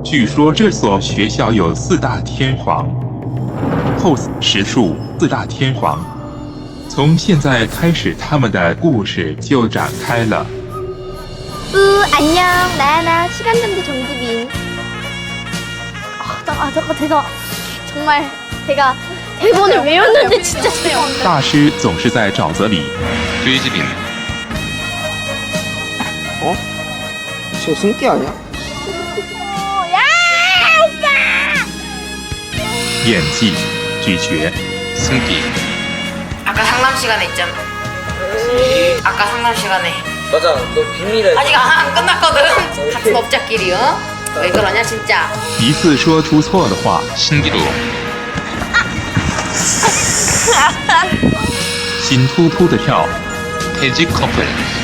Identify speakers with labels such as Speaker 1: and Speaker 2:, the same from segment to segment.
Speaker 1: 据说这所学校有4大天皇 ，pose 实数4大天皇。从现在开始，他们的故事就展开了。
Speaker 2: 안녕 나야나 시간정지 정지빈. 잠깐 제가 정말 제가 대본을 외웠는데 진짜 재미없네.
Speaker 1: 大师总是在沼泽里。
Speaker 3: 돼지빈.
Speaker 4: 어? 저 승기 아니야?
Speaker 2: 야 오빠.
Speaker 1: 演技咀嚼。
Speaker 3: 승기.
Speaker 5: 아까 상담 시간에 있잖아. 아까 상담 시간에
Speaker 4: 맞아, 너 비밀에.
Speaker 5: 아직 안 끝났거든. 같은 업자끼리 어? 왜 그러냐 진짜.
Speaker 1: 一次说出错的话，
Speaker 3: 신기루.
Speaker 1: 心突突的跳。
Speaker 3: 돼지 커플.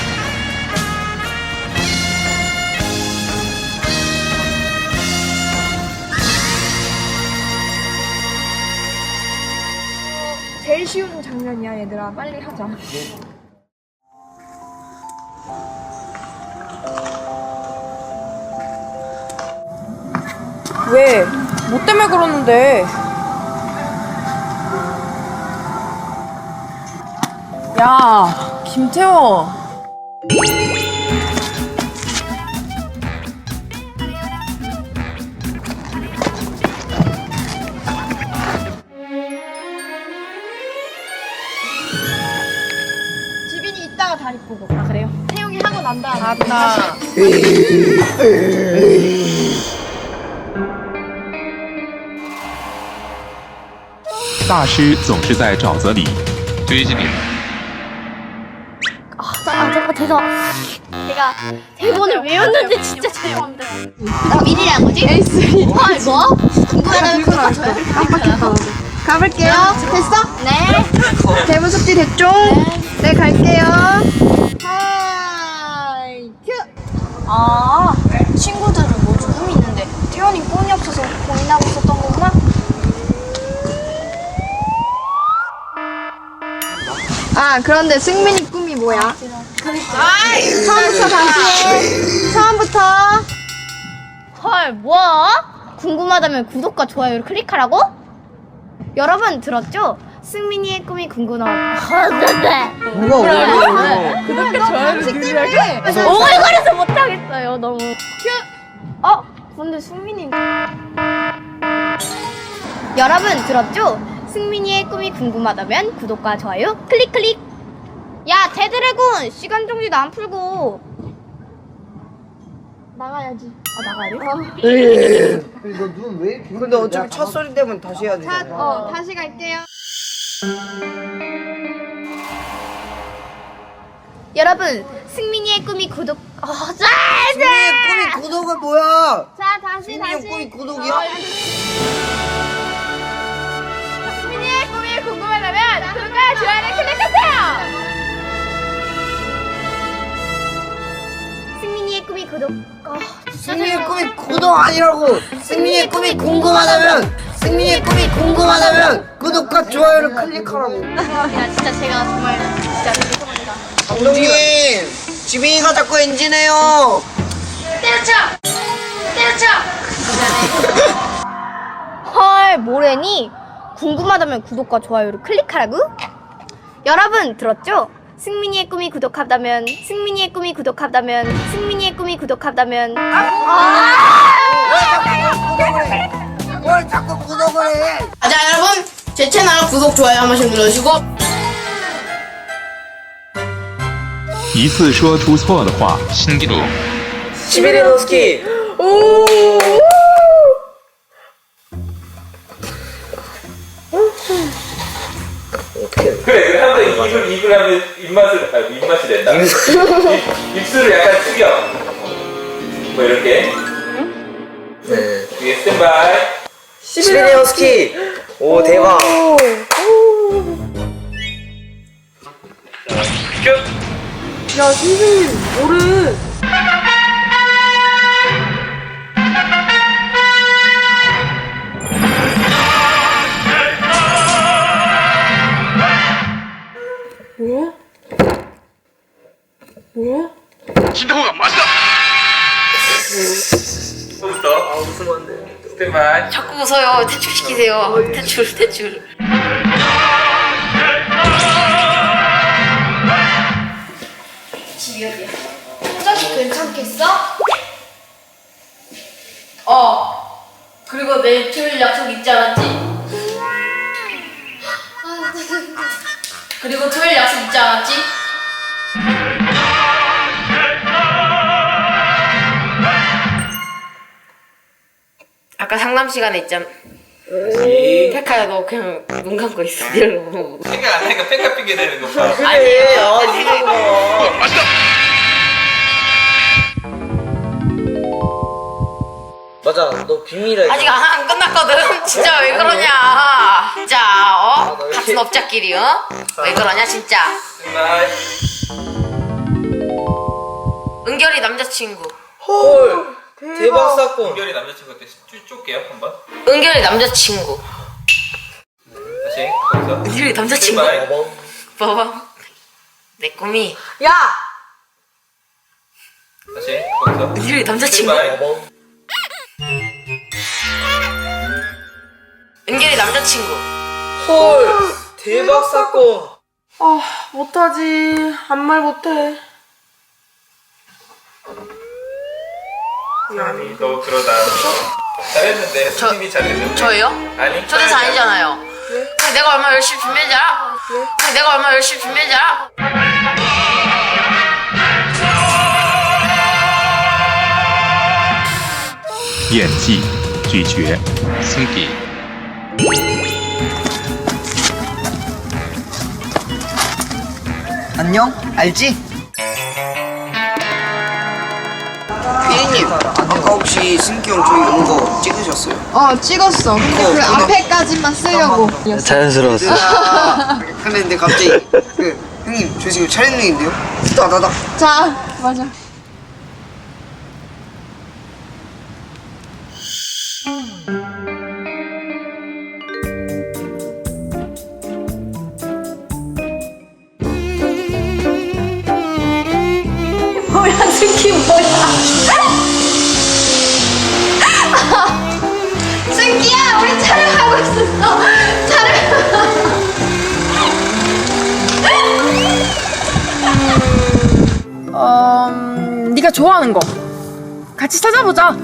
Speaker 6: 제일 쉬운 장면이야 얘들아 빨리 하자. 왜? 뭐 때문에 그러는데? 야, 김태호. 지빈이 이따가 다리 보고. 아 그래요? 태용이 하고 난 다음에. 맞다.
Speaker 1: 大师总是在沼泽里。
Speaker 3: 돼지빈.
Speaker 2: 잠깐 제가 대본을 외웠는데 진짜 재미없네. 나 미리란 거지? 에이스. 헐 뭐? 궁금하다면 그거 줘요. 깜빡했다.
Speaker 6: 가볼게요. 됐어?
Speaker 2: 네.
Speaker 6: 대본 숙지 됐죠? 네, 갈게요. 하이, 큐! 아, 친구들은 모두 꿈이 있는데 태연이 꿈이 없어서 고민하고 있었던 거구나? 아, 그런데 승민이 꿈이 뭐야? 처음부터 다시 해. 처음부터.
Speaker 2: 헐 뭐야? 궁금하다면 구독과 좋아요를 클릭하라고? 여러분 들었죠? 승민이의 꿈이 궁금하다.
Speaker 4: 누가 오래?
Speaker 6: 구독과 좋아요를 누르라고?
Speaker 2: 오글거려서 못하겠어요 너무. 근데 승민이. 여러분 들었죠? 승민이의 꿈이 궁금하다면 구독과 좋아요 클릭. 야 제드래곤 시간 정지도 안 풀고
Speaker 6: 나가야지.
Speaker 2: 나가야 돼?
Speaker 4: 너눈 왜 이렇게. 근데 어차피 첫 소리 때문에 다시 해야 되잖아.
Speaker 6: 다시 갈게요.
Speaker 2: 여러분 승민이의 꿈이 구독.
Speaker 4: 승민이의 꿈이 구독은 뭐야?
Speaker 6: 자, 다시.
Speaker 4: 승민이의 꿈이 구독이야?
Speaker 6: 승민이의 꿈이 궁금하다면 구독과 좋아요를 클릭하세요.
Speaker 2: 승민이의 꿈이 구독.
Speaker 4: 승민이의 꿈이 구독 아니라고. 승민이의 꿈이 궁금하다면 구독과 좋아요를 클릭하라고.
Speaker 2: 야 진짜 제가 정말 진짜 죄송합니다.
Speaker 4: 감독님, 지빈이가 자꾸 엔진해요.
Speaker 2: 때려쳐. 헐 뭐래니? 궁금하다면 구독과 좋아요를 클릭하라고? 여러분 들었죠? 승민이의 꿈이 구독하다면
Speaker 4: 뭘 자꾸 구독을 해?
Speaker 5: 자 여러분 제 채널 구독 좋아요 한 번씩 눌러주시고.
Speaker 1: 一次说出错的话，
Speaker 3: 신기루.
Speaker 4: 시베리노스키.
Speaker 7: 그래, 한번 입을 하면 입맛이 된다. 입술을 약간 숙여. 뭐 이렇게.
Speaker 4: 네.
Speaker 7: 뒤에 스탠바이.
Speaker 4: 시베리안 허스키. 오, 대박.
Speaker 7: 큐.
Speaker 6: 야, 선생님, 뭐래?
Speaker 7: 진동아 맞다. 또부터.
Speaker 4: 웃으면 안 돼.
Speaker 7: 스탠바이.
Speaker 5: 자꾸 웃어요. 퇴출시키세요. 퇴출.
Speaker 2: 집이 어디야? 혼자서 괜찮겠어?
Speaker 5: 그리고 내일 토요일 약속 있지 않았지? 그리고 토요일 약속 있지 않았지? 아까 상담 시간에 있잖아. 페카야 너 그냥 눈 감고 있어. 이러고.
Speaker 7: 생각 안 하니까 팩카 핑계 대는 거 봐.
Speaker 5: 아니에요.
Speaker 4: 맞아, 너 비밀이야.
Speaker 5: 아직 안 끝났거든. 진짜 왜 그러냐. 진짜
Speaker 4: 너 이렇게-
Speaker 5: 같은 업자끼리 왜 그러냐 진짜.
Speaker 7: 스탠바이.
Speaker 5: 은결이 남자친구.
Speaker 4: 헐, 대박 사건.
Speaker 7: 은결이 남자친구한테 쫄게요 한번.
Speaker 5: 은결이 남자친구.
Speaker 7: 다시 거기서.
Speaker 5: 은결이 남자친구.
Speaker 7: 스탠바이.
Speaker 5: 봐봐. 내 꿈이
Speaker 6: 야!
Speaker 7: 다시 거기서.
Speaker 5: 은결이 남자친구.
Speaker 7: 스탠바이.
Speaker 5: 은결이 남자친구.
Speaker 4: 헐, 대박 사건.
Speaker 6: 아, 못하지. 아무 말 못해.
Speaker 7: 아니 너 그러다 잘했는데 선생님이 잘했는데.
Speaker 5: 저예요?
Speaker 7: 아니
Speaker 5: 초대사 아니잖아요. 그냥 내가 얼마나 열심히 준비했잖아. 그냥 내가 얼마나 열심히 준비했잖아.
Speaker 1: 演技、咀嚼、
Speaker 3: 승기,
Speaker 4: 안녕? 알지? 피디님, 아까 혹시 승기 형 저희 오는 거 찍으셨어요?
Speaker 8: 찍었어. 근데 그 앞에까지만 쓰려고.
Speaker 4: 자연스러웠어. 근데 갑자기 형님 저 지금 촬영 중인데요? 따다닥.
Speaker 8: 자, 맞아.
Speaker 2: 뭐야 승기 뭐야? 승기야 우리 촬영하고 있었어.
Speaker 6: 네가 좋아하는 거. 같이 찾아보자.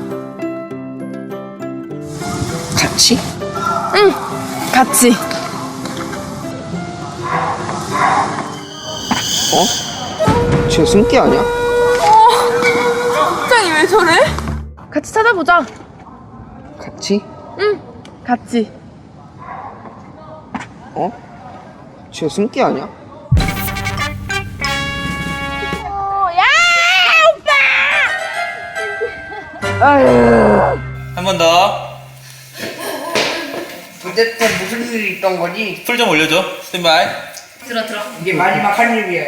Speaker 4: 같이?
Speaker 6: 응, 같이.
Speaker 4: 저 승기 아니야?
Speaker 6: 갑자기 왜 저래? 같이 찾아보자.
Speaker 4: 같이?
Speaker 6: 응, 같이.
Speaker 4: 저 승기 아니야?
Speaker 7: 한 번 더.
Speaker 4: 도대체 무슨 일이 있던 거지?
Speaker 7: 풀 좀 올려줘. 스탠바이.
Speaker 5: 들어.
Speaker 4: 이게 마지막 한 일이야.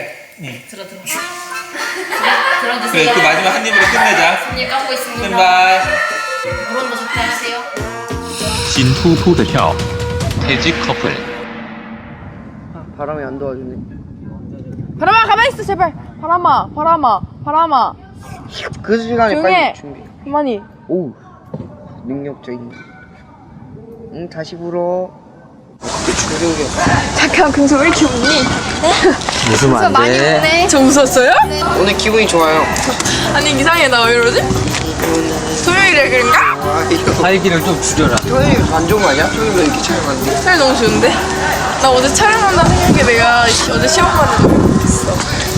Speaker 5: 들어주세요.
Speaker 7: 그래 그 마지막 한 입으로 끝내자.
Speaker 5: 손님 깎고 있습니다.
Speaker 7: 스탠바이.
Speaker 5: 물온도 적당하세요.
Speaker 1: 心突突的跳，
Speaker 3: 퇴직 커플,
Speaker 4: 바람이 안 도와주네.
Speaker 6: 바람아, 가만히 있어, 제발. 바람아.
Speaker 4: 그 시간에
Speaker 6: 조용히 해.
Speaker 4: 빨리 준비.
Speaker 6: 가만히.
Speaker 4: 오우, 능력적인. 응, 다시 불어. 조용히.
Speaker 8: 잠깐, 근데 왜 이렇게 웃니?
Speaker 4: 웃으면 안
Speaker 8: 많이 웃네.
Speaker 6: 저 웃었어요?
Speaker 4: 오늘 기분이 좋아요.
Speaker 6: 아니, 이상해. 나 왜 이러지? 토요일에 그런가?
Speaker 4: 활기를 좀 줄여라. 토요일 안 좋은 거 아니야? 토요일에 이렇게 촬영하는데.
Speaker 6: 토요일 너무 좋은데? 나 어제 촬영한다 생각해. 내가 어제 시험 봤는데 있어.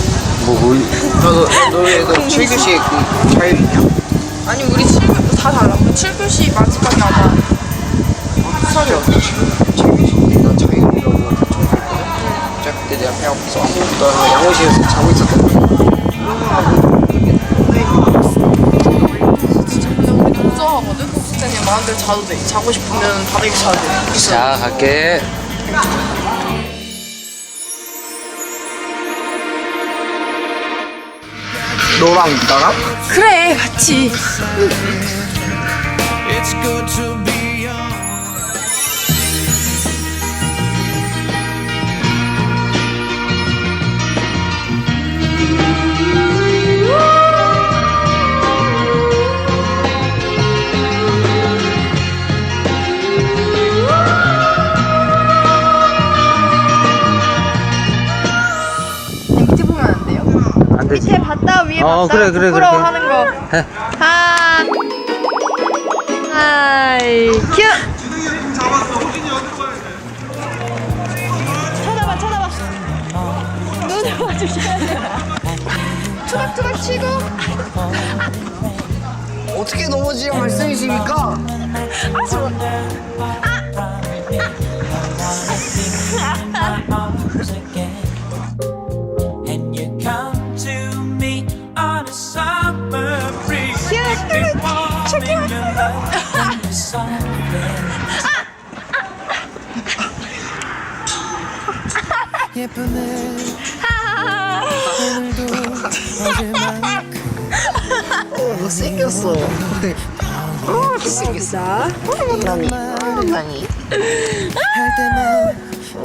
Speaker 4: 너도 7교시에 그 자율이냐?
Speaker 6: 아니, 우리 7교시 다 달라. 우리 7교시 마지막에 아마
Speaker 4: 수산이 어떻게 7교시인데 난 자율이라고 처음 봤거든? 진짜 그때 내가 배 아파서 나 양호실에서 자고 있었던 거야.
Speaker 6: 진짜 근데 우리 너무 좋아하거든? 진짜 그냥 마음대로 자도 돼. 자고 싶으면 바닥에 자도 돼.
Speaker 4: 자, 갈게. 너랑 나랑?
Speaker 6: 그래, 같이.
Speaker 4: 되지.
Speaker 8: 밑에 봤다 위에
Speaker 4: 어,
Speaker 8: 봤다
Speaker 4: 그래, 그래,
Speaker 8: 부끄러워하는 거.
Speaker 4: 해.
Speaker 8: 하이 큐. 쳐다봐. 눈을 봐주셔야 돼. 투닥투닥 치고.
Speaker 4: 어떻게 넘어지란 말씀이십니까?
Speaker 9: And you come to me on a summer breeze. Make me warm in your love and the softness. 예쁘네. 오늘도 어제만큼
Speaker 4: 못생겼어. 못생겼어. 난이.
Speaker 9: 할 때만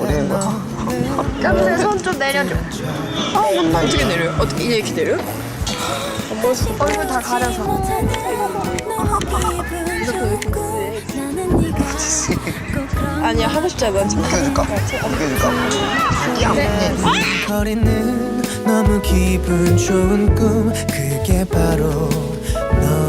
Speaker 8: 깜새 손좀 내려줘. 어떻게 내려요? 어떻게 이렇게 내려? 얼굴 다 가려서. 아니야 하고 싶잖아.
Speaker 4: 안겨줄까?
Speaker 9: 거리는 너무 기분 좋은 꿈 그게 바로 너